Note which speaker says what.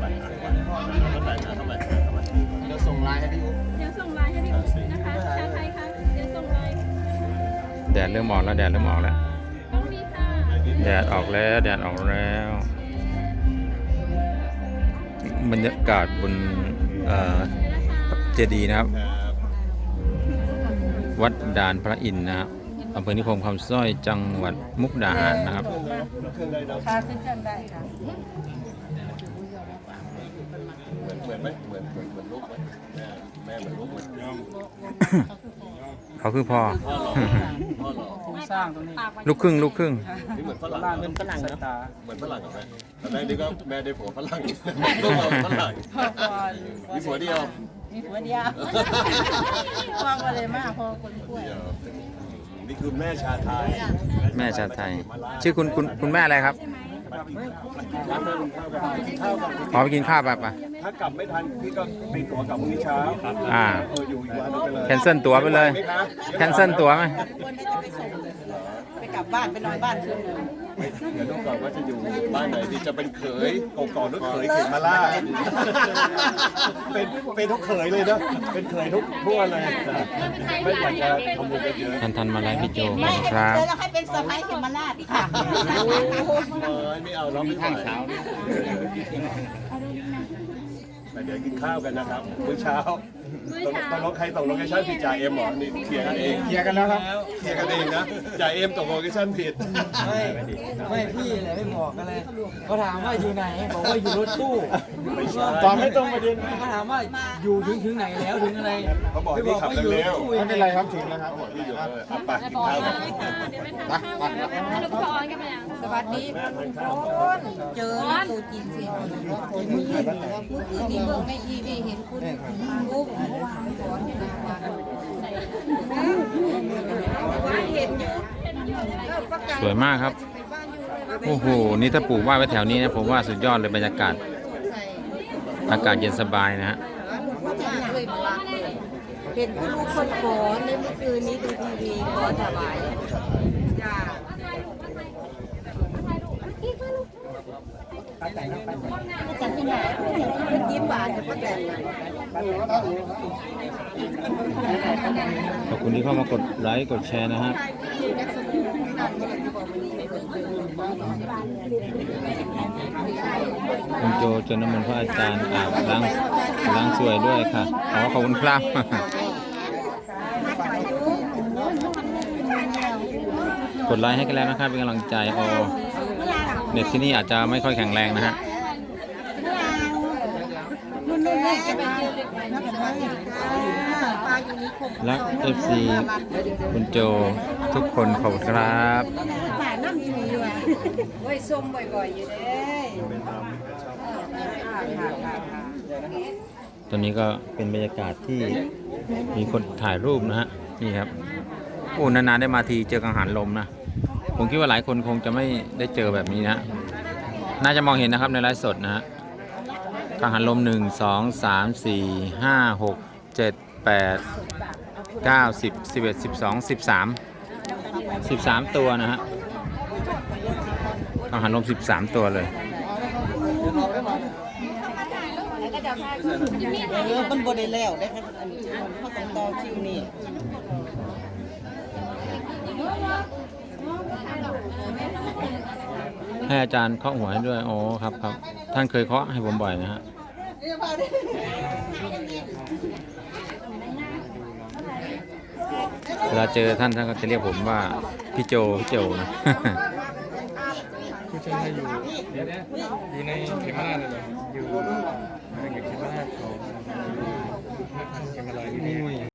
Speaker 1: เดี๋ยวส่งไลน์ให้พี่อุ๊บ
Speaker 2: เดี๋ยวส่งไลน์ให้พี่อุ๊บนะคะชาไทยค่ะเดี๋ยวส่งไลน์
Speaker 3: แดดเริ่มออกแล้วแดดเริ่มออกแล้ว
Speaker 2: ต้องมีค่ะ
Speaker 3: แดดออกแล้วแดดออกแล้วบรรยากาศบนเจดีย์นะครับวัดด่านพระอินทร์นะครับอำเภอนิคมคำสร้อยจังหวัดมุกดาหารนะครับ
Speaker 4: ค่ะขึ้นเครื่องได้ค่ะ
Speaker 1: เหมือนไหมเหมือนลูกไหมแม่เหมือนลูกไหม
Speaker 3: เขาคือพ่อ
Speaker 1: พ่อหล่อ
Speaker 4: สร้างตรงนี้
Speaker 3: ลูกครึ่งลูกครึ่ง
Speaker 1: นี่เหมือนฝรั่ง
Speaker 4: บ้านเป็นฝรั่งนะ
Speaker 1: เหมือนฝรั่งกับแม่แต่แม่นี่ก็แม่ได้ผัวฝรั่งลูกเราฝรั่งมีผัวเดียว
Speaker 4: มีผัวเดียวพ่อก็เลยมากพอคนกล้วย
Speaker 1: นี่คือแม่ชาไทย
Speaker 3: แม่ชาติไทย ชื่อคุณแม่อะไรครับขอไปกินข้าวไปปะ
Speaker 1: ถ้ากลับไม่ทันพี่ก็มีตั๋วกลับพรุ่งนี้เช้า อยู่อีกวันนึงไปเลย
Speaker 3: แคนเซิลตั๋วไปเลยแคนเซิลตั๋วไหม
Speaker 4: ไปกลับบ้านไปนอนบ้านคืนนึง
Speaker 1: เดี๋ยวดูก่อนว่าจะอยู่บ้านไหนที่จะเป็นเขยก่อนหรือเขยเขมล่าเป็นทุกเขยเลยนะเป็นเขยทุกวันเลยไม่อยากจะทำบุญเยอะ
Speaker 3: ทันมาไลฟ์พี่โจครับ
Speaker 4: เลยเราให้เป็นสะพ้ายเขมราชค่ะ
Speaker 1: ไม่เอาเราไม่ข้างเช้าแต่เดี๋ยวกินข้าวกันนะครับมื้อเช้าตกลงใครตกโลเคชั่นผิดจ่าเอ็มเหรอนี่เคลียร์กันเอง
Speaker 5: เคลียร์กันแล้วครับ
Speaker 1: เคลียร์กันเองนะจ่าเอ็มตกโลเคชั่นผิด
Speaker 5: ไม่พี่เลยไม่บอกกันเลยเขาถามว่าอยู่ไหนบอกว่าอยู่รถตู้
Speaker 1: ไม่ใช่
Speaker 5: ตอบไม่ตรงประเด็นเขาถามว่าอยู่ถึงไหนแล้วถึงอะไร
Speaker 1: เขาบอกให้พี่ขับเร็วๆ
Speaker 5: ไม่เป็นไรครับถึงแล้วครับ
Speaker 1: พี่อยู่เอาไปกินข้าวกัน
Speaker 2: เดี๋ยวไปทานข้าวกันแล้วลูกพรกันไปยัง
Speaker 4: สวัสดีคุณเจอตัวจริงสิเมื่อคืนนี้เบิ่งไม่ทีวีเห็นคุณปุ๊บว่าเห็นอยู่
Speaker 3: สวยมากครับโอ้โหนี่ถ้าปลูกว่าไว้แถวนี้นะผมว่าสุดยอดเลยบรรยากาศอากาศเย็นสบายนะฮะ
Speaker 4: เห็นคุณลูกคนขอในเมื่อคืนนี้ดูทีวีขอถวายจ้าจังที่ไหนเป็นยิ้มหวานกับป้าแตน
Speaker 3: ขอบคุณที่เข้ามากดไลค์กดแชร์นะฮะคุณโจจนน้ำมนต์พระอาจารย์อาบล้างสวยด้วยค่ะขอบคุณครับ กดไลค์ให้กันแล้วนะครับเป็นกำลังใจเน็ตที่นี่อาจจะไม่ค่อยแข็งแรงนะฮะรัก FC คุณโจทุกคนขอบคุณครับ
Speaker 4: ป่าน้ำอยู่อยู่อ่ะไว้ส้มบ่อยๆอยู่เด้
Speaker 3: ตอนนี้ก็เป็นบรรยากาศที่มีคนถ่ายรูปนะฮะนี่ครับโอ้นานๆได้มาทีเจอกังหันลมนะผมคิดว่าหลายคนคงจะไม่ได้เจอแบบนี้นะน่าจะมองเห็นนะครับในไลฟ์สดนะฮะกังหันลม1 2 3 4 5 6 7 8 9 10 11 12 13ตัวนะฮะกังหันลม13ตัวเลย
Speaker 4: มันบ่ได้แล้วได้ครับอันนี้เขาต้องต่อคิวนี่
Speaker 3: ให้อาจารย์เคาะหัวให้ด้วยโอ้ครับครับท่านเคยเคาะให้ผมบ่อยนะฮะเวลาเจอท่านก็จะเรียกผมว่าพี่โจนะ
Speaker 5: ผู้ชายอยู่ในเขมราชเลยอยู่ในเขมราชของเขมราชนี่